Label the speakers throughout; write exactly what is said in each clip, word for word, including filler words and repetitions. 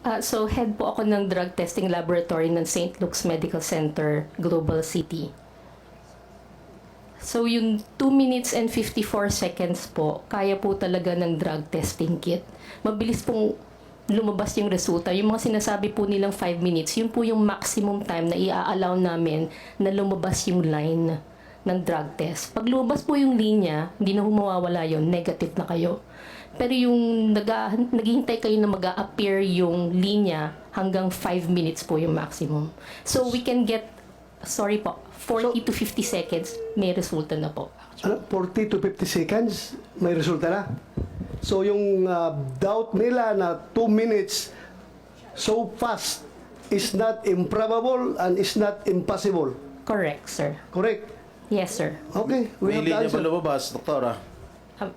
Speaker 1: Ah, so, head po ako ng drug testing laboratory ng Saint Luke's Medical Center, Global City. So, yung two minutes and fifty-four seconds po, kaya po talaga ng drug testing kit. Mabilis pong lumabas yung resulta. Yung mga sinasabi po nilang five minutes, yun po yung maximum time na i-allow namin na lumabas yung line ng drug test. Pag lumabas po yung linya, hindi na humawawala yun, negative na kayo. Pero yung nag naghihintay kayo na mag-a-appear yung linya, hanggang five minutes po yung maximum. So we can get, sorry po, forty to fifty seconds, may resulta na po.
Speaker 2: Ano, forty to fifty seconds, may resulta na. So yung uh, doubt nila na two minutes so fast is not improbable and is not impossible.
Speaker 1: Correct, sir.
Speaker 2: Correct?
Speaker 1: Yes, sir.
Speaker 2: Okay, we
Speaker 3: May
Speaker 2: have the
Speaker 3: linya ba
Speaker 2: answer.
Speaker 3: lumabas, Doktora?
Speaker 1: Um,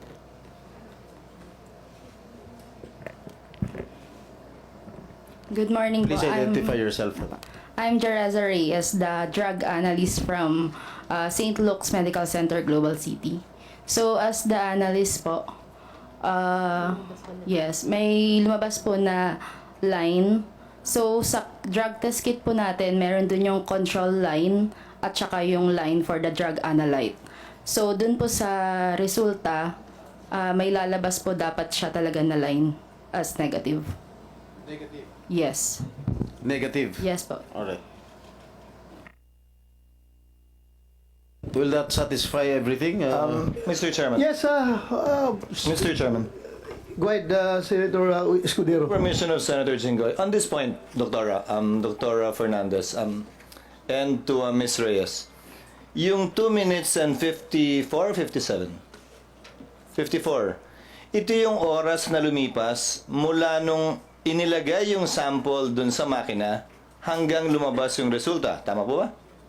Speaker 4: Good morning
Speaker 3: Please
Speaker 4: po.
Speaker 3: identify
Speaker 4: I'm,
Speaker 3: yourself.
Speaker 4: I'm Jereza Reyes, the drug analyst from uh, Saint Luke's Medical Center, Global City. So, as the analyst po, uh, yes, may lumabas po na line. So, sa drug test kit po natin, meron dun yung control line at saka yung line for the drug analyte. So, dun po sa resulta, uh, may lalabas po dapat siya talaga na line as negative.
Speaker 3: Negative.
Speaker 4: Yes.
Speaker 3: Negative.
Speaker 4: Yes po.
Speaker 3: Alright. Will that satisfy everything? Uh,
Speaker 5: Um, Mister Chairman.
Speaker 2: Yes, uh, uh,
Speaker 5: Mister Chairman.
Speaker 2: go ahead, uh, Senator uh, Escudero.
Speaker 5: Permission of Senator Jinggoy. On this point, Doctora, um, Doctora Fernandez, um, and to uh, Miz Reyes, yung two minutes and fifty-four, fifty-seven? fifty-four. Ito yung oras na lumipas mula nung inilagay yung sample dun sa makina hanggang lumabas yung resulta. Tama po ba?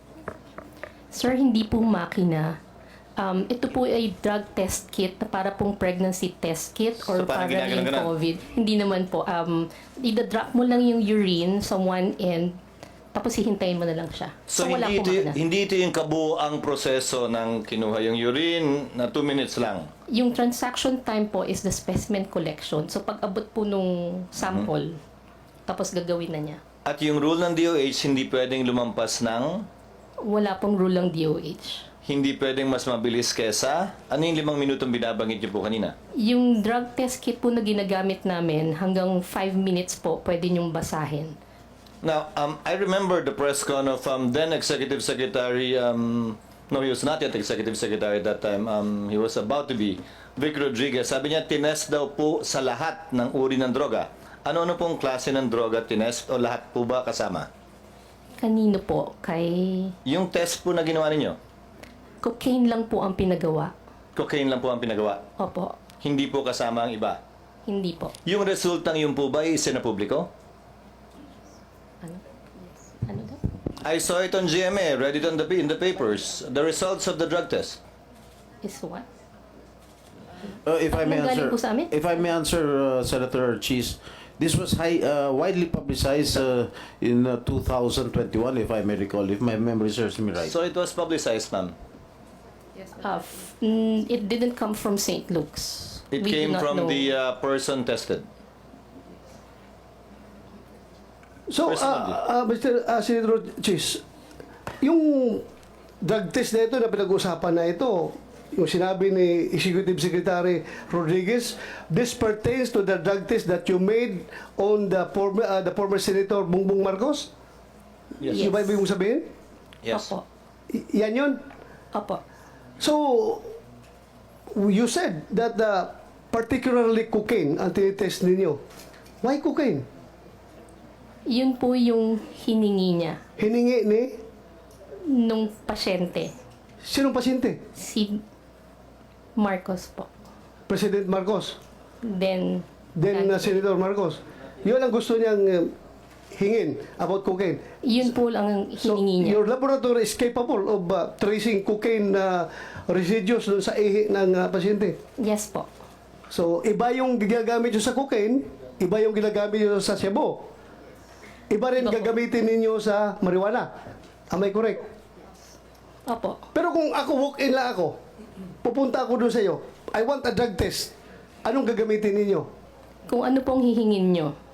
Speaker 1: Sir, hindi po makina. Um, ito po ay drug test kit na para pong pregnancy test kit or
Speaker 5: So,
Speaker 1: para
Speaker 5: parang ginaganon
Speaker 1: rin
Speaker 5: ka na?
Speaker 1: COVID. Hindi naman po. Um, idadrop mo lang yung urine sa one end, tapos hihintayin mo na lang siya.
Speaker 5: So,
Speaker 1: wala
Speaker 5: hindi,
Speaker 1: po
Speaker 5: ito,
Speaker 1: makina.
Speaker 5: hindi ito yung kabuang proseso ng kinuha yung urine na two minutes lang.
Speaker 1: Yung transaction time po is the specimen collection. So, pag abot po nung sample, tapos gagawin na niya.
Speaker 5: At yung rule ng D O H, hindi pwedeng lumampas ng,
Speaker 1: Wala pong rule ng D O H.
Speaker 5: hindi pwedeng mas mabilis kesa, ano yung limang minutong binabanggit niyo po kanina?
Speaker 1: Yung drug test kit po na ginagamit namin, hanggang five minutes po, pwede niyong basahin.
Speaker 5: Now, um, I remember the press con of um, then Executive Secretary, um, no, he was not yet Executive Secretary at that time, um, he was about to be, Vic Rodriguez. Sabi niya, tinest daw po sa lahat ng uri ng droga. Ano-ano pong klase ng droga tinest o lahat po ba kasama?
Speaker 1: Kanino po? Kay
Speaker 5: Yung test po na ginawa ninyo,
Speaker 1: cocaine lang po ang pinagawa.
Speaker 5: cocaine lang po ang pinagawa.
Speaker 1: Opo,
Speaker 5: Hindi po kasama ang iba.
Speaker 1: hindi po.
Speaker 5: Yung resultang yun po ba isinapubliko?
Speaker 1: Ano? Ano daw?
Speaker 5: I saw it on G M A, read it on the in the papers. The results of the drug test.
Speaker 1: Is what?
Speaker 3: uh, if I may
Speaker 1: Anong galing
Speaker 3: answer,
Speaker 1: po sa amin?
Speaker 3: if I may answer, uh, Senator Cheese, this was high, uh, widely publicized uh, in uh, two thousand twenty-one, if I may recall, if my memory serves me right.
Speaker 5: So it was publicized, ma'am.
Speaker 1: Uh, f- mm, it didn't come from Saint Luke's.
Speaker 5: It
Speaker 1: We do
Speaker 5: came
Speaker 1: not
Speaker 5: from
Speaker 1: know.
Speaker 5: the uh, person tested.
Speaker 2: So,
Speaker 5: Personally.
Speaker 2: uh, uh, Mister Uh, Senator Chis, yung drug test na ito na pinag-uusapan na ito, yung sinabi ni Executive Secretary Rodriguez, this pertains to the drug test that you made on the former, uh, the former Senator Bongbong Marcos?
Speaker 5: Yes.
Speaker 1: Yes.
Speaker 2: Yung ba ibig mong sabihin?
Speaker 5: Yes.
Speaker 1: Opo.
Speaker 2: Y- yan yun?
Speaker 1: Opo.
Speaker 2: So, you said that the particularly cocaine ang tinitest ninyo. Why cocaine?
Speaker 1: Yun po yung hiningi niya
Speaker 2: Hiningi ni
Speaker 1: nung pasyente.
Speaker 2: sinong pasyente?
Speaker 1: Si Marcos po.
Speaker 2: President Marcos.
Speaker 1: Then,
Speaker 2: Then uh, Senator Marcos. Yun ang gusto niyang uh, hingin about cocaine.
Speaker 1: yun po lang ang
Speaker 2: So,
Speaker 1: hiningi niya.
Speaker 2: your laboratory is capable of uh, tracing cocaine uh, residues dun sa ihi ng uh, pasyente.
Speaker 1: Yes po.
Speaker 2: So, iba yung ginagamit nyo sa cocaine, iba yung ginagamit nyo sa shabu. Iba rin
Speaker 1: Iba po.
Speaker 2: gagamitin ninyo sa marijuana. Am I correct?
Speaker 1: Opo.
Speaker 2: Pero kung ako, walk-in lang ako, pupunta ako doon sa iyo, I want a drug test. Anong gagamitin ninyo?
Speaker 1: Kung ano pong hihingin nyo.